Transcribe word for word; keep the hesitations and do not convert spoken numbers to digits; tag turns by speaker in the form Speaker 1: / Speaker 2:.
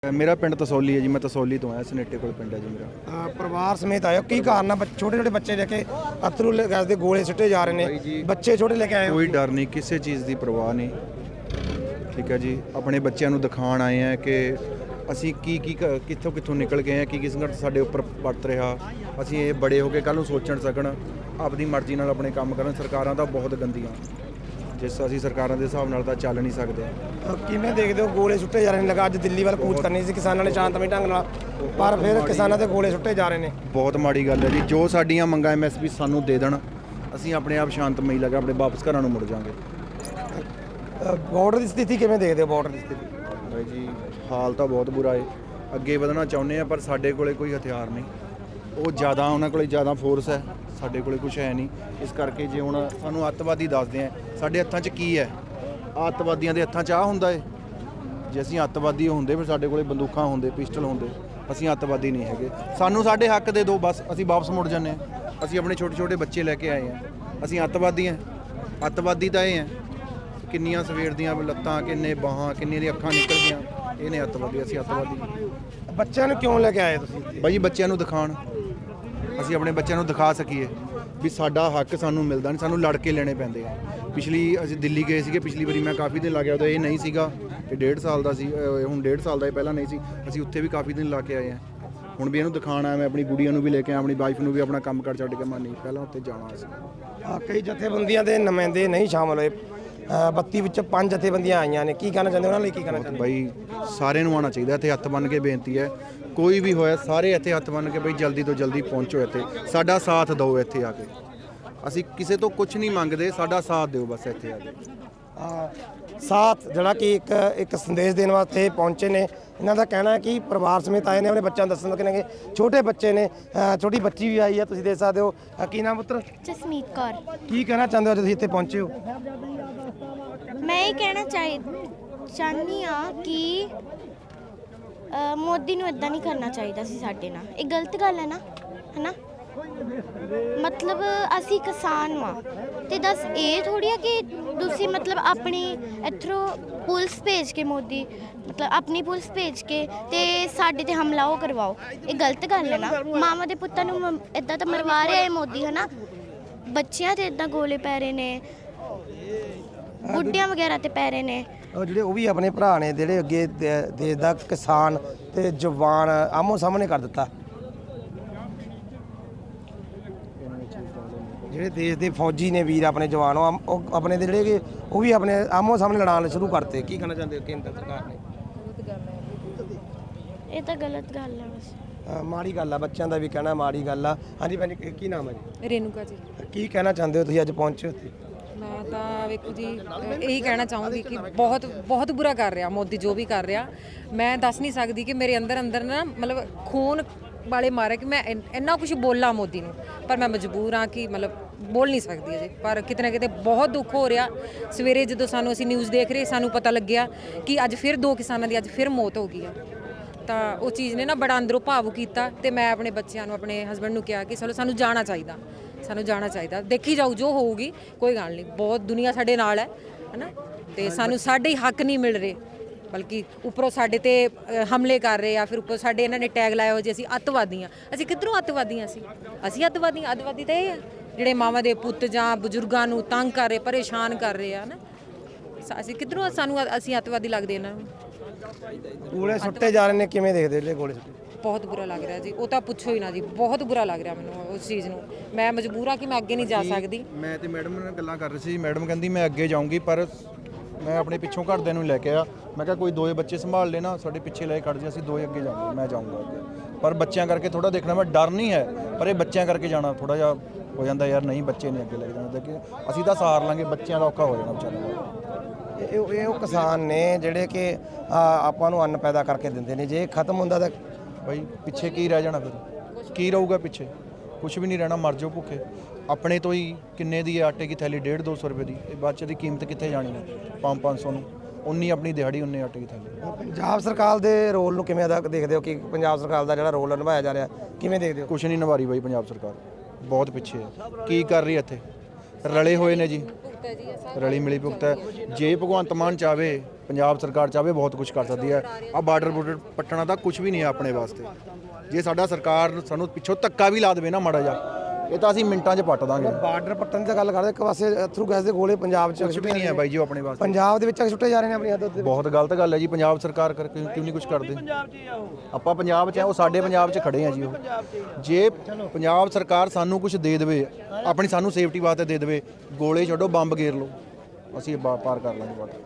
Speaker 1: मेरा पिंड तसौली है जी। मैं तसौली तो आया, सनेटे कोल पिंड है जी मेरा।
Speaker 2: परिवार समेत आए हो, की कारण है छोटे छोटे बच्चे लेके अथरू गैस के गोले सुट्टे जा रहे हैं, बच्चे छोटे लेके आए हो?
Speaker 1: कोई डर नहीं, किसी चीज़ की परवाह नहीं, ठीक है जी। अपने बच्चों को दिखाण आए हैं कि ਅਸੀਂ ਕੀ ਕੀ ਕਿੱਥੋਂ ਕਿੱਥੋਂ ਨਿਕਲ ਗਏ ਆ, ਕੀ ਕੀ ਸੰਘਰਸ਼ ਸਾਡੇ ਉੱਪਰ ਪਰਤ ਰਿਹਾ। ਅਸੀਂ ਇਹ ਬੜੇ ਹੋ ਕੇ ਕੱਲ੍ਹ ਨੂੰ ਸੋਚਣ ਸਕਣ, ਆਪਣੀ ਮਰਜ਼ੀ ਨਾਲ ਆਪਣੇ ਕੰਮ ਕਰਨ। ਸਰਕਾਰਾਂ ਤਾਂ ਬਹੁਤ ਗੰਦੀਆਂ, ਜਿਸ ਅਸੀਂ ਸਰਕਾਰਾਂ ਦੇ ਹਿਸਾਬ ਨਾਲ ਤਾਂ ਚੱਲ ਨਹੀਂ ਸਕਦੇ।
Speaker 2: ਕਿਵੇਂ ਦੇਖਦੇ ਹੋ ਗੋਲੇ ਸੁੱਟੇ ਜਾ ਰਹੇ ਨੇ? ਲਗਾ ਅੱਜ ਦਿੱਲੀ ਵੱਲ ਕੂਚ ਕਰਨੀ ਸੀ ਕਿਸਾਨਾਂ ਨੇ ਸ਼ਾਂਤਮਈ ਢੰਗ ਨਾਲ, ਪਰ ਫਿਰ ਕਿਸਾਨਾਂ ਦੇ ਗੋਲੇ ਸੁੱਟੇ ਜਾ ਰਹੇ ਨੇ।
Speaker 1: ਬਹੁਤ ਮਾੜੀ ਗੱਲ ਹੈ ਜੀ। ਜੋ ਸਾਡੀਆਂ ਮੰਗਾਂ ਐਮ ਐਸ ਪੀ ਸਾਨੂੰ ਦੇ ਦੇਣ, ਅਸੀਂ ਆਪਣੇ ਆਪ ਸ਼ਾਂਤਮਈ ਲਗਾ ਆਪਣੇ ਵਾਪਸ ਘਰਾਂ ਨੂੰ ਮੁੜ ਜਾਵਾਂਗੇ।
Speaker 2: ਬਾਰਡਰ ਦੀ ਸਥਿਤੀ ਕਿਵੇਂ ਦੇਖਦੇ ਹੋ? ਬਾਰਡਰ ਦੀ ਸਥਿਤੀ
Speaker 1: ਬਾਈ ਜੀ ਹਾਲ ਤਾਂ ਬਹੁਤ ਬੁਰਾ ਹੈ। ਅੱਗੇ ਵਧਣਾ ਚਾਹੁੰਦੇ ਆ, ਪਰ ਸਾਡੇ ਕੋਲੇ ਕੋਈ ਹਥਿਆਰ ਨਹੀਂ। ਉਹ ਜ਼ਿਆਦਾ ਉਹਨਾਂ ਕੋਲੇ ਜ਼ਿਆਦਾ ਫੋਰਸ ਹੈ, ਸਾਡੇ ਕੋਲੇ ਕੁਝ ਹੈ ਨਹੀਂ। ਇਸ ਕਰਕੇ ਜੇ ਹੁਣ ਸਾਨੂੰ ਅੱਤਵਾਦੀ ਦੱਸਦੇ ਆ, ਸਾਡੇ ਹੱਥਾਂ 'ਚ ਕੀ ਹੈ? ਅੱਤਵਾਦੀਆਂ ਦੇ ਹੱਥਾਂ 'ਚ ਆਹ ਹੁੰਦਾ ਹੈ। ਜੇ ਅਸੀਂ ਅੱਤਵਾਦੀ ਹੁੰਦੇ ਫਿਰ ਸਾਡੇ ਕੋਲੇ ਬੰਦੂਕਾਂ ਹੁੰਦੇ, ਪਿਸਟਲ ਹੁੰਦੇ। ਅਸੀਂ ਅੱਤਵਾਦੀ ਨਹੀਂ ਹੈਗੇ। ਸਾਨੂੰ ਸਾਡੇ ਹੱਕ ਦੇ ਦਿਓ, ਬਸ ਅਸੀਂ ਵਾਪਸ ਮੁੜ ਜਾਂਦੇ ਹਾਂ। ਅਸੀਂ ਆਪਣੇ ਛੋਟੇ ਛੋਟੇ ਬੱਚੇ ਲੈ ਕੇ ਆਏ ਹਾਂ। ਅਸੀਂ ਅੱਤਵਾਦੀ ਹਾਂ? ਅੱਤਵਾਦੀ ਤਾਂ ਇਹ ਹੈ, ਕਿੰਨੀਆਂ ਸਵੇਰ ਦੀਆਂ ਲੱਤਾਂ, ਕਿੰਨੇ ਬਾਹਾਂ, ਕਿੰਨੀਆਂ ਦੀਆਂ ਅੱਖਾਂ ਨਿਕਲ ਗਈਆਂ। ਇਹ ਨੇ ਅੱਤਵਾਦੀ, ਅਸੀਂ ਅੱਤਵਾਦੀ।
Speaker 2: ਬੱਚਿਆਂ ਨੂੰ ਕਿਉਂ ਲੈ ਕੇ ਆਏ ਤੁਸੀਂ?
Speaker 1: ਬਾਈ ਜੀ ਬੱਚਿਆਂ ਨੂੰ ਦਿਖਾਣ, ਅਸੀਂ ਆਪਣੇ ਬੱਚਿਆਂ ਨੂੰ ਦਿਖਾ ਸਕੀਏ ਵੀ ਸਾਡਾ ਹੱਕ ਸਾਨੂੰ ਮਿਲਦਾ ਨਹੀਂ, ਸਾਨੂੰ ਲੜ ਕੇ ਲੈਣੇ ਪੈਂਦੇ ਆ। ਪਿਛਲੀ ਅਸੀਂ ਦਿੱਲੀ ਗਏ ਸੀਗੇ, ਪਿਛਲੀ ਵਾਰੀ ਮੈਂ ਕਾਫੀ ਦਿਨ ਲਾ ਗਿਆ, ਉਦੋਂ ਇਹ ਨਹੀਂ ਸੀਗਾ। ਇਹ ਡੇਢ ਸਾਲ ਦਾ ਸੀ, ਹੁਣ ਡੇਢ ਸਾਲ ਦਾ ਇਹ ਪਹਿਲਾਂ ਨਹੀਂ ਸੀ। ਅਸੀਂ ਉੱਥੇ ਵੀ ਕਾਫੀ ਦਿਨ ਲਾ ਕੇ ਆਏ ਹਾਂ। ਹੁਣ ਵੀ ਇਹਨੂੰ ਦਿਖਾਣਾ, ਮੈਂ ਆਪਣੀ ਗੁੜੀਆਂ ਨੂੰ ਵੀ ਲੈ ਕੇ ਆਇਆ, ਆਪਣੀ ਵਾਈਫ ਨੂੰ ਵੀ ਆਪਣਾ ਕੰਮ ਕਰ ਛੱਡ ਕੇ ਮੈਂ ਨਹੀਂ ਪਹਿਲਾਂ ਉੱਥੇ ਜਾਣਾ ਸੀ।
Speaker 2: ਕਈ ਜਥੇਬੰਦੀਆਂ ਦੇ ਨੁਮਾਇੰਦੇ ਨਹੀਂ ਸ਼ਾਮਲ ਹੋਏ, ਬੱਤੀ ਵਿੱਚ ਪੰਜ ਜਥੇਬੰਦੀਆਂ ਆਈਆਂ ਨੇ, ਕੀ ਕਹਿਣਾ ਚਾਹੁੰਦੇ ਉਹਨਾਂ ਲਈ? ਕੀ ਕਹਿਣਾ ਚਾਹੁੰਦੇ
Speaker 1: ਬਾਈ ਸਾਰਿਆਂ ਨੂੰ ਆਉਣਾ ਚਾਹੀਦਾ। ਇੱਥੇ ਹੱਥ ਬੰਨ੍ਹ ਕੇ ਬੇਨਤੀ ਹੈ, ਕੋਈ ਵੀ ਹੋਇਆ ਸਾਰੇ ਇੱਥੇ ਹੱਥ ਬੰਨ੍ਹ ਕੇ ਬਈ ਜਲਦੀ ਤੋਂ ਜਲਦੀ ਪਹੁੰਚੋ, ਇੱਥੇ ਸਾਡਾ ਸਾਥ ਦਿਓ। ਇੱਥੇ ਆ ਕੇ ਅਸੀਂ ਕਿਸੇ ਤੋਂ ਕੁਝ ਨਹੀਂ ਮੰਗਦੇ, ਸਾਡਾ ਸਾਥ ਦਿਓ ਬਸ ਇੱਥੇ ਆ ਕੇ।
Speaker 2: ਸਾਥ ਜਿਹੜਾ ਕਿ ਇੱਕ ਇੱਕ ਸੰਦੇਸ਼ ਦੇਣ ਵਾਸਤੇ ਪਹੁੰਚੇ ਨੇ। ਇਹਨਾਂ ਦਾ ਕਹਿਣਾ ਹੈ ਕਿ ਪਰਿਵਾਰ ਸਮੇਤ ਆਏ ਨੇ, ਆਪਣੇ ਬੱਚਿਆਂ ਨੂੰ ਦੱਸਣ ਕਿ ਛੋਟੇ ਬੱਚੇ ਨੇ, ਛੋਟੀ ਬੱਚੀ ਵੀ ਆਈ ਹੈ, ਤੁਸੀਂ ਦੇਖ ਸਕਦੇ ਹੋ। ਕੀ ਨਾਮ ਪੁੱਤਰ?
Speaker 3: ਜਸਮੀਤ ਕੌਰ।
Speaker 2: ਕੀ ਕਹਿਣਾ ਚਾਹੁੰਦੇ ਹੋ ਤੁਸੀਂ ਇੱਥੇ ਪਹੁੰਚੇ ਹੋ?
Speaker 3: ਮੈਂ ਇਹ ਕਹਿਣਾ ਚਾਹੀ ਚਾਹੁੰਦੀ ਹਾਂ ਕਿ ਮੋਦੀ ਨੂੰ ਇਦਾਂ ਨਹੀਂ ਕਰਨਾ ਚਾਹੀਦਾ ਸੀ ਸਾਡੇ ਨਾਲ। ਇਹ ਗਲਤ ਗੱਲ ਹੈ ਨਾ, ਹੈ ਨਾ? ਮਤਲਬ ਅਸੀਂ ਕਿਸਾਨ ਵਾਂ ਤੇ ਦੱਸ ਇਹ ਥੋੜੀ ਆ ਕਿ ਤੁਸੀਂ ਮਤਲਬ ਆਪਣੀ ਇੱਥੋਂ ਪੁਲਿਸ ਭੇਜ ਕੇ, ਮੋਦੀ ਮਤਲਬ ਆਪਣੀ ਪੁਲਿਸ ਭੇਜ ਕੇ ਤੇ ਸਾਡੇ ਤੇ ਹਮਲਾ ਉਹ ਕਰਵਾਓ। ਇਹ ਗਲਤ ਗੱਲ ਹੈ ਨਾ। ਮਾਵਾਂ ਦੇ ਪੁੱਤਾਂ ਨੂੰ ਇਦਾਂ ਤਾਂ ਮਰਵਾ ਰਿਹਾ ਇਹ ਮੋਦੀ, ਹੈ ਨਾ? ਬੱਚਿਆਂ ਤੇ ਇਦਾਂ ਗੋਲੇ ਪੈ ਰਹੇ ਨੇ, ਬੁੱਢਿਆਂ ਵਗੈਰਾ ਤੇ ਪੈ ਰਹੇ ਨੇ।
Speaker 2: ਉਹ ਜਿਹੜੇ ਉਹ ਵੀ ਆਪਣੇ ਭਰਾ ਨੇ ਜਿਹੜੇ ਅੱਗੇ ਦੇਸ਼ ਦਾ ਕਿਸਾਨ ਤੇ ਜਵਾਨ ਆਮੋ ਸਾਹਮਣੇ ਕਰ ਦਿੱਤਾ। ਜਿਹੜੇ ਦੇਸ਼ ਦੇ ਫੌਜੀ ਨੇ ਵੀਰ ਆਪਣੇ ਜਵਾਨ, ਉਹ ਆਪਣੇ ਦੇ ਜਿਹੜੇ ਉਹ ਵੀ ਆਪਣੇ ਆਮੋ ਸਾਹਮਣੇ ਲੜਾਉਣ ਸ਼ੁਰੂ ਕਰਤੇ। ਕੀ ਕਹਿਣਾ ਚਾਹੁੰਦੇ ਹੋ ਕੇਂਦਰ ਸਰਕਾਰ ਨੇ?
Speaker 3: ਇਹ ਤਾਂ ਗਲਤ ਗੱਲ ਹੈ ਬਸ।
Speaker 2: ਮਾੜੀ ਗੱਲ ਆ, ਬੱਚਿਆਂ ਦਾ ਵੀ ਕਹਿਣਾ ਮਾੜੀ ਗੱਲ ਆ। ਹਾਂਜੀ ਭੈਣ ਜੀ, ਕੀ ਨਾਮ ਹੈ ਜੀ?
Speaker 4: ਰੇਨੂਕਾ ਜੀ।
Speaker 2: ਕੀ ਕਹਿਣਾ ਚਾਹੁੰਦੇ ਹੋ ਤੁਸੀਂ ਅੱਜ ਪਹੁੰਚੇ ਉੱਥੇ?
Speaker 4: ਮੈਂ ਤਾਂ ਵੇਖੋ ਜੀ ਇਹੀ ਕਹਿਣਾ ਚਾਹੂੰਗੀ ਕਿ ਬਹੁਤ ਬਹੁਤ ਬੁਰਾ ਕਰ ਰਿਹਾ ਮੋਦੀ, ਜੋ ਵੀ ਕਰ ਰਿਹਾ। ਮੈਂ ਦੱਸ ਨਹੀਂ ਸਕਦੀ ਕਿ ਮੇਰੇ ਅੰਦਰ ਅੰਦਰ ਨਾ ਮਤਲਬ ਖੂਨ ਵਾਲੇ ਮਾਰੇ ਕਿ ਮੈਂ ਇੰਨਾ ਕੁਝ ਬੋਲਾਂ ਮੋਦੀ ਨੂੰ, ਪਰ ਮੈਂ ਮਜਬੂਰ ਹਾਂ ਕਿ ਮਤਲਬ ਬੋਲ ਨਹੀਂ ਸਕਦੀ ਅਜੇ। ਪਰ ਕਿਤੇ ਨਾ ਕਿਤੇ ਬਹੁਤ ਦੁੱਖ ਹੋ ਰਿਹਾ। ਸਵੇਰੇ ਜਦੋਂ ਸਾਨੂੰ ਅਸੀਂ ਨਿਊਜ਼ ਦੇਖ ਰਹੇ, ਸਾਨੂੰ ਪਤਾ ਲੱਗਿਆ ਕਿ ਅੱਜ ਫਿਰ ਦੋ ਕਿਸਾਨਾਂ ਦੀ ਅੱਜ ਫਿਰ ਮੌਤ ਹੋ ਗਈ ਆ, ਤਾਂ ਉਹ ਚੀਜ਼ ਨੇ ਨਾ ਬੜਾ ਅੰਦਰੋਂ ਭਾਵੁਕ ਕੀਤਾ। ਤੇ ਮੈਂ ਆਪਣੇ ਬੱਚਿਆਂ ਨੂੰ, ਆਪਣੇ ਹਸਬੈਂਡ ਨੂੰ ਕਿਹਾ ਕਿ ਚਲੋ ਸਾਨੂੰ ਜਾਣਾ ਚਾਹੀਦਾ, ਸਾਨੂੰ ਜਾਣਾ ਚਾਹੀਦਾ। ਦੇਖੀ ਜਾਊ ਜੋ ਹੋਊਗੀ, ਕੋਈ ਗੱਲ ਨਹੀਂ। ਬਹੁਤ ਦੁਨੀਆ ਸਾਡੇ ਨਾਲ ਹੈ, ਹੈ ਨਾ? ਤੇ ਸਾਨੂੰ ਸਾਡੇ ਹੀ ਹੱਕ ਨਹੀਂ ਮਿਲ ਰਹੇ, ਬਲਕਿ ਉੱਪਰੋਂ ਸਾਡੇ ਤੇ ਹਮਲੇ ਕਰ ਰਹੇ ਆ। ਫਿਰ ਉੱਪਰ ਸਾਡੇ ਇਹਨਾਂ ਨੇ ਟੈਗ ਲਾਇਆ ਹੋ ਜੀ ਅਸੀਂ ਅੱਤਵਾਦੀ ਹਾਂ। ਅਸੀਂ ਕਿੱਧਰੋਂ ਅੱਤਵਾਦੀ ਹਾਂ? ਅਸੀਂ ਅਸੀਂ ਅੱਤਵਾਦੀ ਹਾਂ? ਅੱਤਵਾਦੀ ਤਾਂ ਇਹ ਆ ਜਿਹੜੇ ਮਾਵਾਂ ਦੇ ਪੁੱਤ ਜਾਂ ਬਜ਼ੁਰਗਾਂ ਨੂੰ ਤੰਗ ਕਰ ਰਹੇ, ਪਰੇਸ਼ਾਨ ਕਰ ਰਹੇ ਆ ਨਾ। ਅਸੀਂ ਕਿੱਧਰੋਂ ਸਾਨੂੰ ਅਸੀਂ ਅੱਤਵਾਦੀ ਲੱਗਦੇ ਇਹਨਾਂ ਨੂੰ?
Speaker 2: ਗੋਲੇ ਸੁੱਟੇ ਜਾ ਰਹੇ ਨੇ, ਕਿਵੇਂ ਦੇਖਦੇ ਹੋ ਗੋਲੇ ਸੁੱਟੇ?
Speaker 4: ਬਹੁਤ ਬੁਰਾ ਲੱਗ ਰਿਹਾ ਜੀ। ਉਹ ਤਾਂ ਪੁੱਛੋ ਹੀ ਨਾ ਜੀ, ਬਹੁਤ ਬੁਰਾ ਲੱਗ ਰਿਹਾ ਮੈਨੂੰ ਉਸ ਚੀਜ਼ ਨੂੰ। ਮੈਂ ਮਜਬੂਰ ਹਾਂ ਕਿ ਮੈਂ ਅੱਗੇ ਨਹੀਂ ਜਾ ਸਕਦੀ।
Speaker 1: ਮੈਂ ਤੇ ਮੈਡਮ ਨਾਲ ਗੱਲਾਂ ਕਰ ਰਹੀ ਸੀ, ਮੈਡਮ ਕਹਿੰਦੀ ਮੈਂ ਅੱਗੇ ਜਾਊਂਗੀ, ਪਰ ਮੈਂ ਆਪਣੇ ਪਿੱਛੋਂ ਘਰਦਿਆਂ ਨੂੰ ਲੈ ਕੇ ਆ। ਮੈਂ ਕਿਹਾ ਕੋਈ ਦੋਏ ਬੱਚੇ ਸੰਭਾਲ ਲੈਣਾ, ਸਾਡੇ ਪਿੱਛੇ ਲੈ ਕੇ ਖੜ ਜਾ, ਅਸੀਂ ਦੋਏ ਅੱਗੇ ਜਾਵਾਂਗੇ, ਮੈਂ ਜਾਊਂਗਾ ਅੱਗੇ। ਪਰ ਬੱਚਿਆਂ ਕਰਕੇ ਥੋੜਾ ਦੇਖਣਾ, ਮੈਂ ਡਰ ਨਹੀਂ ਹੈ, ਪਰ ਇਹ ਬੱਚਿਆਂ ਕਰਕੇ ਜਾਣਾ ਥੋੜਾ ਜਿਹਾ ਹੋ ਜਾਂਦਾ ਯਾਰ, ਨਹੀਂ ਬੱਚੇ ਨਹੀਂ ਅੱਗੇ ਲੈ ਕੇ ਜਾਣਾ। ਕਿ ਅਸੀਂ ਤਾਂ ਸਹਾਰ ਲਾਂਗੇ, ਬੱਚਿਆਂ ਦਾ ਔਖਾ ਹੋ ਜਾਣਾ ਵਿਚਾਰਿਆਂ ਦਾ।
Speaker 2: ਇਹ ਇਹ ਉਹ ਕਿਸਾਨ ਨੇ ਜਿਹੜੇ ਕਿ ਆਪਾਂ ਨੂੰ ਅੰਨ ਪੈਦਾ ਕਰਕੇ ਦਿੰਦੇ ਨੇ। ਜੇ ਖਤਮ ਹੁੰਦਾ ਤਾਂ
Speaker 1: ਬਾਈ ਪਿੱਛੇ ਕੀ ਰਹਿ ਜਾਣਾ? ਫਿਰ ਕੀ ਰਹੂਗਾ ਪਿੱਛੇ? ਕੁਝ ਵੀ ਨਹੀਂ ਰਹਿਣਾ, ਮਰ ਜਾਓ ਭੁੱਖੇ। ਆਪਣੇ ਤੋਂ ਹੀ ਕਿੰਨੇ ਦੀ ਆਟੇ ਦੀ ਥੈਲੀ ਡੇਢ ਦੋ ਸੌ ਰੁਪਏ ਦੀ, ਇਹ ਬੱਚੇ ਦੀ ਕੀਮਤ ਕਿੱਥੇ ਜਾਣੀ ਹੈ? ਪੰਜ ਪੰਜ ਸੌ ਨੂੰ ਉਨੀ ਆਪਣੀ ਦਿਹਾੜੀ, ਉਨੇ ਆਟੇ ਦੀ ਥੈਲੀ।
Speaker 2: ਪੰਜਾਬ ਸਰਕਾਰ ਦੇ ਰੋਲ ਨੂੰ ਕਿਵੇਂ ਅਦਾ ਦੇਖਦੇ ਹੋ? ਕਿ ਪੰਜਾਬ ਸਰਕਾਰ ਦਾ ਜਿਹੜਾ ਰੋਲ ਨਿਭਾਇਆ ਜਾ ਰਿਹਾ, ਕਿਵੇਂ ਦੇਖਦੇ ਹੋ?
Speaker 1: ਕੁਛ ਨਹੀਂ ਨਿਭਾ ਰਹੀ ਬਾਈ ਪੰਜਾਬ ਸਰਕਾਰ, ਬਹੁਤ ਪਿੱਛੇ ਹੈ। ਕੀ ਕਰ ਰਹੀ ਇੱਥੇ? ਰਲੇ ਹੋਏ ਨੇ ਜੀ, ਰਲੀ ਮਿਲੀ ਭੁਗਤ ਹੈ। ਜੇ ਭਗਵੰਤ ਮਾਨ ਚਾਹਵੇ ਪੰਜਾਬ ਸਰਕਾਰ ਚਾਹਵੇ ਬਹੁਤ ਕੁਝ ਕਰ ਸਕਦੀ ਹੈ। ਆ ਬਾਰਡਰ ਬੋਰਡਰ ਪੱਟਣਾ ਤਾਂ ਕੁਝ ਵੀ ਨਹੀਂ ਹੈ ਆਪਣੇ ਵਾਸਤੇ। ਜੇ ਸਾਡਾ ਸਰਕਾਰ ਸਾਨੂੰ ਪਿੱਛੋਂ ਧੱਕਾ ਵੀ ਲਾ ਦੇਵੇ ਨਾ ਮਾੜਾ ਜਿਹਾ, ਇਹ ਤਾਂ ਅਸੀਂ ਮਿੰਟਾਂ 'ਚ ਪੱਟ ਦਾਂਗੇ।
Speaker 2: ਬਾਰਡਰ ਪੱਟਣ ਦੀ ਤਾਂ ਗੱਲ ਕਰਦੇ, ਇੱਕ ਪਾਸੇ ਅਥਰੂ ਗੈਸ ਦੇ ਗੋਲੇ ਪੰਜਾਬ 'ਚ
Speaker 1: ਕੁਝ ਵੀ ਨਹੀਂ ਹੈ ਬਾਈ ਜੀ ਉਹ ਆਪਣੇ ਵਾਸਤੇ।
Speaker 2: ਪੰਜਾਬ ਦੇ ਵਿੱਚ ਛੁੱਟੇ ਜਾ ਰਹੇ ਨੇ ਆਪਣੀ ਹੱਦ ਉੱਤੇ।
Speaker 1: ਬਹੁਤ ਗਲਤ ਗੱਲ ਹੈ ਜੀ, ਪੰਜਾਬ ਸਰਕਾਰ ਕਰਕੇ ਕਿਉਂ ਨਹੀਂ ਕੁਝ ਕਰਦੇ। ਆਪਾਂ ਪੰਜਾਬ 'ਚ ਆ, ਉਹ ਸਾਡੇ ਪੰਜਾਬ 'ਚ ਖੜੇ ਆ ਜੀ। ਉਹ ਜੇ ਪੰਜਾਬ ਸਰਕਾਰ ਸਾਨੂੰ ਕੁਝ ਦੇ ਦੇਵੇ, ਆਪਣੀ ਸਾਨੂੰ ਸੇਫਟੀ ਵਾਸਤੇ ਦੇ ਦੇਵੇ, ਗੋਲੇ ਛੱਡੋ ਬੰਬ ਗੇਰ ਲਓ, ਅਸੀਂ ਪਾ- ਪਾਰ ਕਰ ਲਾਂਗੇ ਬਾਰਡਰ।